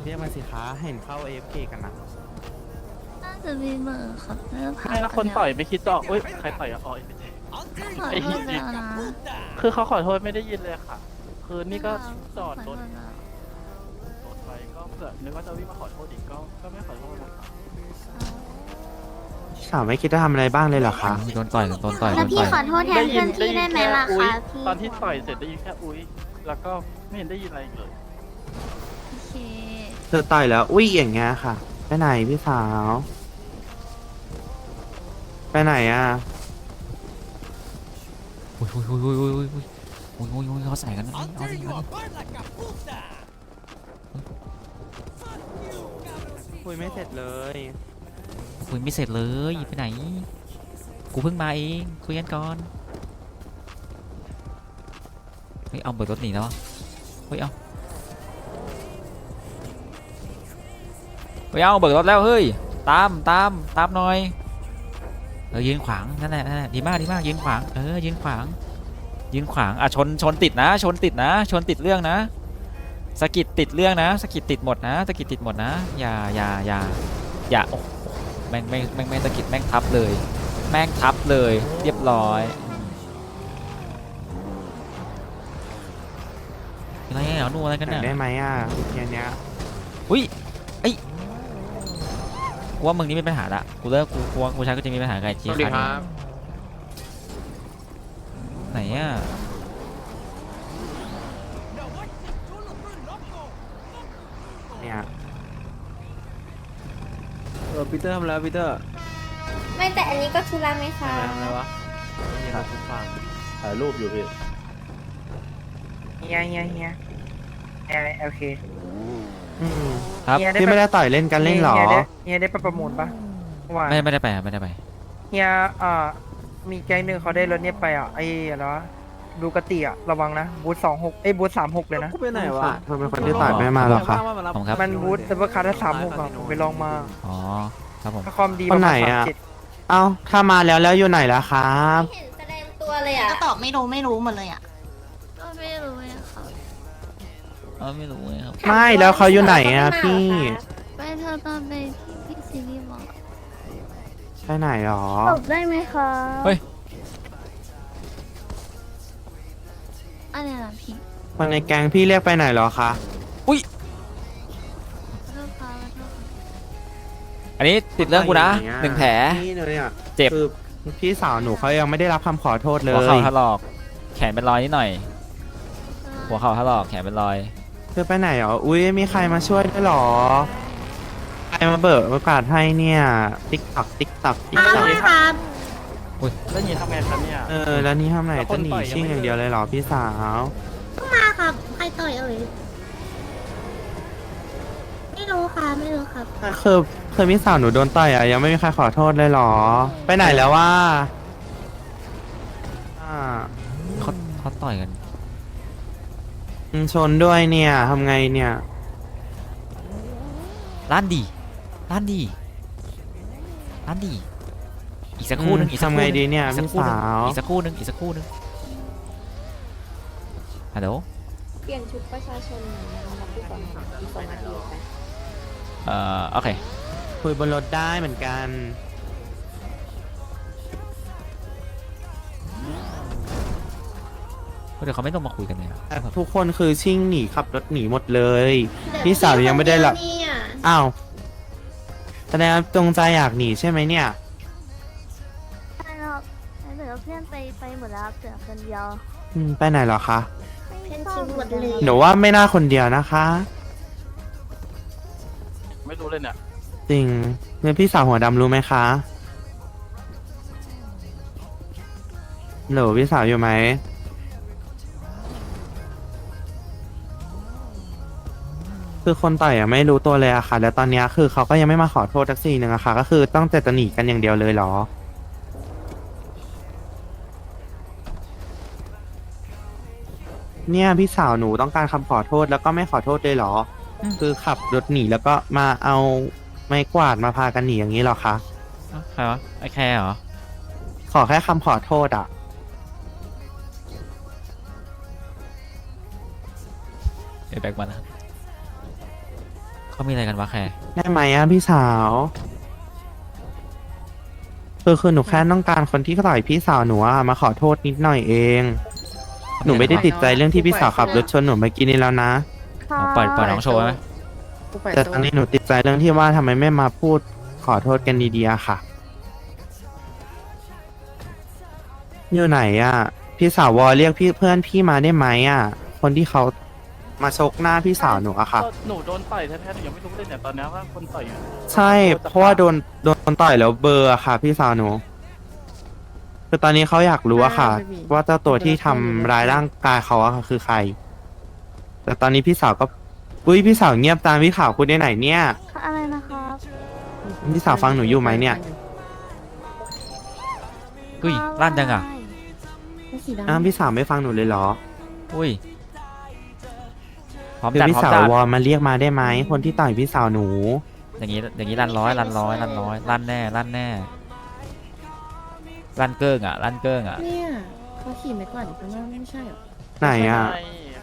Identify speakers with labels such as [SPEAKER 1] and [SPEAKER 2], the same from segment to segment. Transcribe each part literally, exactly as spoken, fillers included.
[SPEAKER 1] เรียกมาสิคะเห็นเข้า เอ เอฟ เค กันนะ
[SPEAKER 2] น่าจะมีเบอร์ครับน่าจะผ่า
[SPEAKER 3] ไม่แล้วคนต่อยไม่คิดจะออกเอ้ยใครต่อยอะอ๋อเอ็มเจ
[SPEAKER 2] ขอโทษแล้วนะ
[SPEAKER 3] คือเขาขอโทษไม่ได้ยินเลยค่ะ คือนี่ก็จอดรถรถไปก็เผื่อนึกว่าจะวิ่งมาขอโทษอีกก็ก็ไม่ขอโทษนะคะ
[SPEAKER 1] สาวไม่คิดจะทำอะไรบ้างเลยเหรอคะ
[SPEAKER 4] โดนต่อยโดนต่อยโด
[SPEAKER 2] แล้ว
[SPEAKER 4] น
[SPEAKER 2] พี่
[SPEAKER 4] ต่อย
[SPEAKER 2] ขอโทษแทนเพื่อนพี่ได้ไหมล่ะ
[SPEAKER 3] อุ๊ย
[SPEAKER 2] คะพี่
[SPEAKER 3] ตอนที่ต่อยเสร็จได้ยินแค่อุ้ยแล้วก็ไม่เห็นได้ยินอะไรอีกเลย
[SPEAKER 2] โอเค
[SPEAKER 1] เธอต่อยแล้ว อุ้ยอย่างเงี้ยค่ะ ไปไหนพี่สาว ไปไหนอ่ะ
[SPEAKER 4] อุ้ยอุ้ยอุ้ยอุ้ยอุ้ยอุ้ยอุ้ยอุ้ยอุ้ยอุ้ยเขาใส่กันนะเอาดิเอาดิ
[SPEAKER 1] คุยไม่เสร็จเลย
[SPEAKER 4] คุยไม่เสร็จเลยไปไหนกูเพิ่งมาเองคุยกันก่อนเฮ้ยเอาเบิกรถหนีแล้วเฮ้ยเอาเฮ้ยเอาเบิกรถแล้วเฮ้ยตามตามตามหน่อยเออยืนขวางนั่นแหละนั่นแหละดีมากดีมากยืนขวางเออยืนขวางยืนขวางอ่ะชนชนติดนะชนติดนะชนติดเรื่องนะสกิดติดเรื่องนะสกิดติดหมดนะสกิดติดหมดนะอย่าอย่าอย่าอย่าโอ้โหแม่งแม่งแม่งแม่งสกิดแม่งทับเลยแม่งทับเลยเรียบร้อยอะไรเหรอนู่นอะไรกัน
[SPEAKER 1] ไหน
[SPEAKER 4] เนี่ย
[SPEAKER 1] ได้ไหมอ่ะเนี้ยเนี้ย
[SPEAKER 4] อุ้ยไอ้ยกูว่ามึงนี่ไม่เป็นปัญหาละกูเลิกกูกูว่ากูใช้ก็จะมีปัญหากับไอ้เจี๊ยบไหนอ่ะ
[SPEAKER 1] เนี่ย
[SPEAKER 5] เออปีเตอร์ทำแล้วปีเตอร์
[SPEAKER 2] ไม่แต่อันนี้ก็ธุระไหมคะ
[SPEAKER 5] ทำอะไรวะนี่ครับทุกฝั่งถ่ายรูปอยู่พี่
[SPEAKER 6] เฮียเฮียเฮียเอโอเค
[SPEAKER 1] อืม
[SPEAKER 4] ครับ
[SPEAKER 6] เฮียได้
[SPEAKER 1] พี่
[SPEAKER 6] ไป
[SPEAKER 1] ไม่ได้ต่อยเล่นกันเล่นเหรอ
[SPEAKER 6] เฮียได้เฮียได้ไปประมูลปะว่า
[SPEAKER 4] ไม่ไม่ได้ไปไม่ได้ไป
[SPEAKER 6] เฮียอ่ามีแก๊งหนึ่งเขาได้รถเนี่ยไปอ่ะไอ้อะไรวะดูกติอ่ะระวังนะบูธสองหกเอ้ยบูธสามหกเลยนะ
[SPEAKER 5] กูไปไหนวะ
[SPEAKER 1] เธอเป็นคนที่ต่อยไม่มาหรอคะ
[SPEAKER 4] ผมครับ
[SPEAKER 6] มันบูธแต่ว่าคาร์ดสามหกอ่ะผมไปลองมา
[SPEAKER 4] อ๋อครับผม
[SPEAKER 6] ถ้าความดี
[SPEAKER 1] คนไหนอ่ะ เอ้าถ้ามาแล้วแล้วอยู่ไหนล่ะครับ
[SPEAKER 2] เห็นแสดงตัวเลยอ่ะ
[SPEAKER 7] ก็ตอบไม่รู้ไม่รู้หมดเลยอ่ะ
[SPEAKER 2] ก็ไม่รู้เลยค่ะ
[SPEAKER 4] เออไม่รู้เลยครับ
[SPEAKER 1] ไม่แล้วเขาอยู่ไหนอ่ะพี่
[SPEAKER 2] ไปเธอตอนไปที่พี่ซีรีส์บอก
[SPEAKER 1] ไปไหนหรอ
[SPEAKER 2] ตอบได้ไหมคะ
[SPEAKER 4] เฮ้ย
[SPEAKER 2] อะไรล่ะพี่
[SPEAKER 1] คนในแก๊งพี่เรียกไปไหนหรอคะ
[SPEAKER 4] อุ้ย
[SPEAKER 2] ขอโทษค่ะขอโทษค่ะ
[SPEAKER 4] อันนี้ติดเรื่องกูนะหนึ่งแผล
[SPEAKER 1] นี่เนี่ย
[SPEAKER 4] เจ็บ
[SPEAKER 1] คือพี่สาวหนูเขายังไม่ได้รับคำขอโทษเล
[SPEAKER 4] หัวย เข่าถลอกแขนเป็นรอยนิดหน่อย หัวเข่าถลอกแขนเป็นรอย
[SPEAKER 1] เธอไปไหนหรอ อุ้ยมีใครมาช่วยด้วยหรอ ใครมาเบิกโอกาสให้เนี่ย ติ๊กตักติ๊กตักติ๊กตัก
[SPEAKER 7] ครับ
[SPEAKER 3] แล้วยินทำไงครับเนี่ย
[SPEAKER 1] เออ แล้วนี่ทำไหน
[SPEAKER 3] แล้วค
[SPEAKER 1] จะ
[SPEAKER 3] น
[SPEAKER 1] หนี
[SPEAKER 3] ต่อยยัง
[SPEAKER 1] ชิ่ง
[SPEAKER 3] ไม่
[SPEAKER 1] อย่างเดียวเลยเหรอพี่สาว
[SPEAKER 7] มาครับ ใครต่อยเอ่ย ไม่รู้ค่ะ ไม่รู้ครับ
[SPEAKER 1] คือคือพี่สาวหนูโดนต่อยอ่ะยังไม่มีใครขอโทษเลยเหรอ ไปไหนแล้วว่าอ่า
[SPEAKER 4] เขาเขาต่อยกัน
[SPEAKER 1] อืมชนด้วยเนี่ยทำไงเนี่ย
[SPEAKER 4] ร้านดีร้านดีร้านดีอีกสักครู่หนึง
[SPEAKER 1] อืม
[SPEAKER 4] อีกสักค
[SPEAKER 1] ทำ
[SPEAKER 4] รู่
[SPEAKER 1] ไง
[SPEAKER 4] ห
[SPEAKER 1] ดี
[SPEAKER 4] นึง
[SPEAKER 1] เนี่ย
[SPEAKER 4] อีกสัก
[SPEAKER 1] พี่
[SPEAKER 4] ครู่หนึง
[SPEAKER 1] สาว
[SPEAKER 4] อีกสักครู่หนึงอีกสักครู่หนึงฮัลโหล
[SPEAKER 8] เปลี่ยนชุดประชาชนนะครับพี่สอนอีกสองนาทีไป
[SPEAKER 4] เอ่อโอเค
[SPEAKER 1] คุยบนรถได้เหมือนกัน
[SPEAKER 4] เดี๋ยวเขาไม่ต้องมาคุยกันเลยนะ
[SPEAKER 1] แต่ทุกคนคือชิ่งหนีขับรถหนีหมดเลย พี่สาวยังไม่ได้หลับ อ้าวแสดงว่าจงใจอยากหนีใช่ไหมเนี่ย
[SPEAKER 2] ใช่ครับเหลือเพื่อนไปไปหมดแล้วเหลือคนเดียว
[SPEAKER 1] อืมไปไหนเหรอคะ
[SPEAKER 7] เพื่อนทิ้งหมดเลย
[SPEAKER 1] หนูว่าไม่น่าคนเดียวนะคะ
[SPEAKER 3] ไม่รู้เลยเนี่ย
[SPEAKER 1] จริงเนี่ยพี่สาวหัวดำรู้ไหมคะหนูพี่สาวอยู่ไหม คือคนต่อยอะไม่รู้ตัวเลยอะค่ะ แล้วตอนเนี้ยคือเขาก็ยังไม่มาขอโทษทักซี่หนึ่งอะค่ะ ก็คือต้องแต่จะหนีกันอย่างเดียวเลยเหรอ เนี่ยพี่สาวหนูต้องการคำขอโทษแล้วก็ไม่ขอโทษเลยเหรอ คือขับรถหนีแล้วก็มาเอาไม้กวาดมาพากันหนีอย่างนี้เหรอคะ
[SPEAKER 4] เอ้าใครวะไอ้แคร์เหรอ
[SPEAKER 1] ขอแค่คำขอโทษอะ
[SPEAKER 4] เดี๋ยวแบกมานะเขามีอะไรกันวะแคร์
[SPEAKER 1] ได้ไหมอ่ะพี่สาวคือคือหนูแค่ต้องการคนที่ต่อยพี่สาวหนูอะมาขอโทษนิดหน่อยเอง หนูไม่ได้ติดใจเรื่องที่พี่สาวขับรถชนหนูเมื่อกี้นี้แล้วนะ
[SPEAKER 4] อ๋อปล่อยปล่อยน้องโชว์ไหม
[SPEAKER 1] แต่ตอนนี้หนูติดใจเรื่องที่ว่าทำไมไม่มาพูดขอโทษกันดีๆอะค่ะ อยู่ไหนอ่ะ พี่สาววอเรียกพี่เพื่อนพี่มาได้ไหมอ่ะ คนที่เขามาชกหน้าพี่สาวหนูอะค่ะ
[SPEAKER 3] หนูโดนต่อยแท้ๆหนูยังไม่รู้เลยเนี่ยตอนนี้ว่าคนต่อยอยู่
[SPEAKER 1] ใช่ เพราะว่าโดนโดนต่อยแล้วเบลอร์อะค่ะ พี่สาวหนูคือตอนนี้เขาอยากรู้อะค่ะ ว่าเจ้าตัวที่ทำร้ายร่างกายเขาอะค่ะคือใคร แต่ตอนนี้พี่สาวก็อุ้ยพี่สาวเงียบตามพี่ข่าวคุณได้ไหนเนี่ย
[SPEAKER 2] อะไรนะครับ
[SPEAKER 1] พี่สาวฟังหนูอยู่ไหมเนี่ย
[SPEAKER 4] อุ้ยลั่นจังอ่ะ
[SPEAKER 7] สีดำ
[SPEAKER 1] อ้าวพี่สาวไม่ฟังหนูเลยเหรอ
[SPEAKER 4] อุ้ยพร้อม
[SPEAKER 1] คือ
[SPEAKER 4] จัด
[SPEAKER 1] พี่
[SPEAKER 4] พร้อม
[SPEAKER 1] สาว
[SPEAKER 4] จัด
[SPEAKER 1] วอมาเรียกมาได้ไหมคนที่ต่อยพี่สาวหนู
[SPEAKER 4] อย่างนี้อย่างนี้ลั่นร้อยลั่นร้อยลั่นร้อยลั่นแน่ลั่นแน่ลั่นเกิ้งอ่ะลั่นเกิ้งอ่ะ
[SPEAKER 8] เนี่ยเขาขี่ไม่กวาดอยู่ข้างหน้าไม่ใช่เหรอ
[SPEAKER 1] ไหนอ่ะ
[SPEAKER 3] ใช่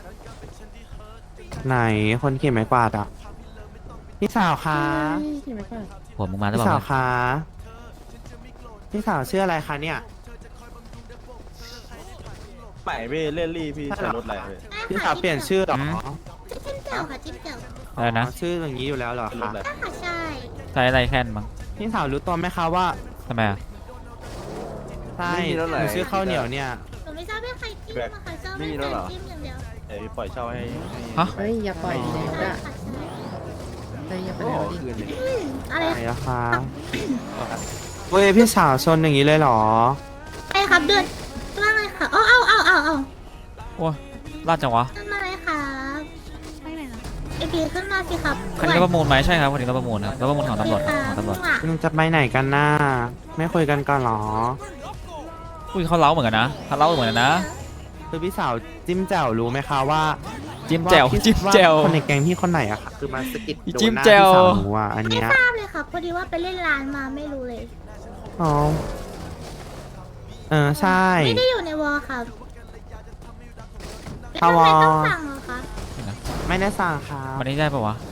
[SPEAKER 1] ไหนคนเขียนไม้กวาดอ่ะ พี่สาวคะ
[SPEAKER 8] ใช่ขี่ไม่กวาด
[SPEAKER 4] หัวมึงมาหรือ
[SPEAKER 1] พี่
[SPEAKER 4] เป
[SPEAKER 1] สา
[SPEAKER 4] ล่าว
[SPEAKER 1] คะ พี่สาวชื่ออะไรคะเนี่ย
[SPEAKER 5] ใหม่พี่เล่นรี่พี่ใช้รถอะไรพี่
[SPEAKER 1] พี่สาวเปลี่ยนชื่อเหรอ
[SPEAKER 7] จิ้มแจ่วค่ะจิ้มแจ่ว
[SPEAKER 4] อะไรนะ
[SPEAKER 1] อ๋อชื่ออย่างนี้อยู่แล้วเหรอ
[SPEAKER 5] รถ
[SPEAKER 1] คะ
[SPEAKER 5] อะไร
[SPEAKER 7] ค่ะใช่
[SPEAKER 4] ใช้อะไรแค่นมั้ง
[SPEAKER 1] พี่สาวรู้ตัวไหมคะว่า
[SPEAKER 4] ทำไมอ่ะ
[SPEAKER 1] ใช่หนูชื่อข้าวเหนียวเนี่ย
[SPEAKER 7] หนูไม่ทราบว่าใครจิ้มอะค่ะชอบให้แฟนจิ้มอย่างเดียว
[SPEAKER 5] เอ้ยปล่อยเช่าให้ให้
[SPEAKER 4] ฮะ
[SPEAKER 8] เฮ้ยอย่าปล่อยแล้ว
[SPEAKER 7] ใช่
[SPEAKER 8] อะ
[SPEAKER 7] ค่ะ
[SPEAKER 8] เฮ้ยอย่าไป
[SPEAKER 5] โอ้
[SPEAKER 8] แล้ว
[SPEAKER 5] โห
[SPEAKER 8] ดิ
[SPEAKER 5] คืนนี้
[SPEAKER 7] อืมอะไร
[SPEAKER 1] ไหนอะคะเว้ยพี่สาวชนอย่างนี้เลยเหรอ
[SPEAKER 7] ไอ้ครับเดือนว่าไงค่ะเอาเอาเอาเอาเอา
[SPEAKER 4] โอ้ยลั่นจังวะ
[SPEAKER 7] ขึ้นมาเลยครับ
[SPEAKER 2] ไปไหนนะ
[SPEAKER 7] ไอพีขึ้นมาสิครับ
[SPEAKER 4] คันนี้รถประมูลไหมใช่ครับคันนี้รถประมูลครับรถประมูลของตำรวจของตำรวจ
[SPEAKER 1] มึงจะไปไหนกันน่าไม่คุยกันก่อนเหรอ
[SPEAKER 4] อุ้ยเขาเล้าเหมือนกันนะเขาเล้าเหมือนกันนะ
[SPEAKER 1] คือพี่สาวจิ้มแจ่วรู้ไหมคะว่า
[SPEAKER 4] จิ้มแจ่ว
[SPEAKER 1] าพี่
[SPEAKER 4] จิ้มแจ่ว
[SPEAKER 1] าคนในแก๊งพี่คนไหนอะค่ะ คือมาสะกิดโดน
[SPEAKER 4] จิ้ม
[SPEAKER 1] หน้า
[SPEAKER 4] แจ่
[SPEAKER 1] พี่
[SPEAKER 4] ว
[SPEAKER 1] สาวหนูอะอัน
[SPEAKER 7] ไม่
[SPEAKER 1] เนี้ย
[SPEAKER 7] ทราบเลยครับพอดีว่าไปเล่นร้านมาไม่รู้เลย
[SPEAKER 1] อ๋อเออใช่
[SPEAKER 7] ไม่ได้อยู่ในวอลครับ
[SPEAKER 1] ถ้าวอล
[SPEAKER 7] ไม่ต้องสั่งเหรอคะ
[SPEAKER 1] ไม่ได้สั่งครับ
[SPEAKER 4] วันนี้ได้ปะวะ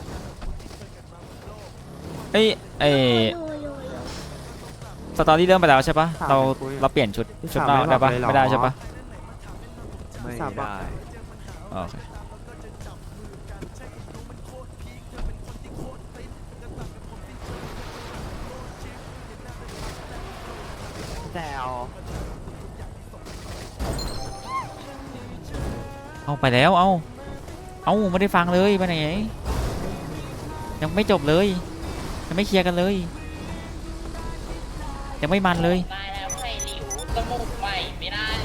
[SPEAKER 4] เอ้ยเอ้ย
[SPEAKER 7] โยโยโย
[SPEAKER 4] สตอรี่เริ่มไปแล้วใช่ปะเราเราเปลี่ยนชุดชุดนอกได้ปะไม่ได้ใช่ปะ
[SPEAKER 1] ไม่ได้
[SPEAKER 4] โอเค
[SPEAKER 1] แจ่ว
[SPEAKER 4] เอาไปแล้วเอาเอาไม่ได้ฟังเลยไปไหนยังไม่จบเลยยังไม่เคลียร์กันเลยยังไม่มันเลย
[SPEAKER 9] ได้แล้วไข่หลิวจมูกใหม่ไม่ได้เลย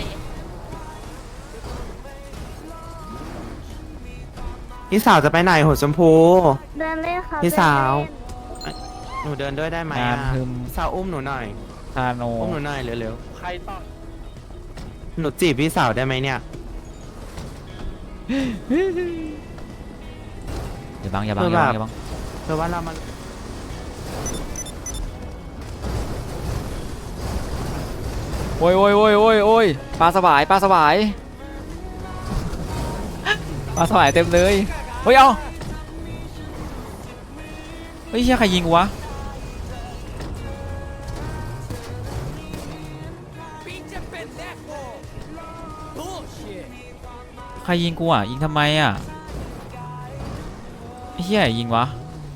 [SPEAKER 1] พี่สาวจะไปไหนหัวชมพู
[SPEAKER 2] เดินเล่นครับ
[SPEAKER 1] พี่สาว
[SPEAKER 2] เดินเล่น
[SPEAKER 1] หนูเดินด้วยได้ไหม
[SPEAKER 4] งาน
[SPEAKER 1] อะ
[SPEAKER 4] ฮึม
[SPEAKER 1] พี่สาวอุ้มหนูหน่อย
[SPEAKER 4] ทาโน
[SPEAKER 1] อุ้มหนูหน่อยเร็ว
[SPEAKER 3] ใครต่อย
[SPEAKER 1] ๆหนูจีบพี่สาวได้ไหมเนี่ย
[SPEAKER 4] อย่าบังอย่าบังอย่าบังอย่าบัง
[SPEAKER 1] เพราะว่าเรามัน
[SPEAKER 4] โอ้ยโอ้ยโอ้ยโอ้ยโอ้ยปลาสวายปลาสวายปลาสวายเต็มเลยเฮ้ยเอาเฮ้ยเชี่ยใครยิงกูวะใครยิงกูอ่ะยิงทำไมอ่ะไอ้เหี้ยยิงวะ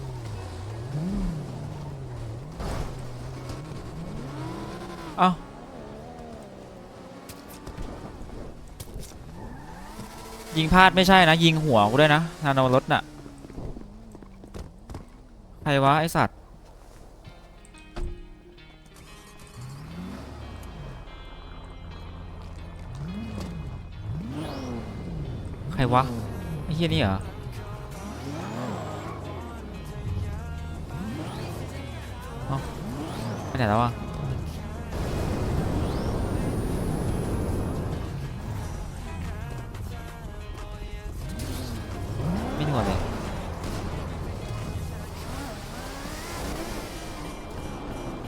[SPEAKER 4] เอ้ายิงพลาดไม่ใช่นะยิงหัวกูด้วยนะนาโนรถน่ะใครวะไอสัตว์ใครวะไอ้เหี้ยนี่เหรอเอ้าไปไหนแล้ววะ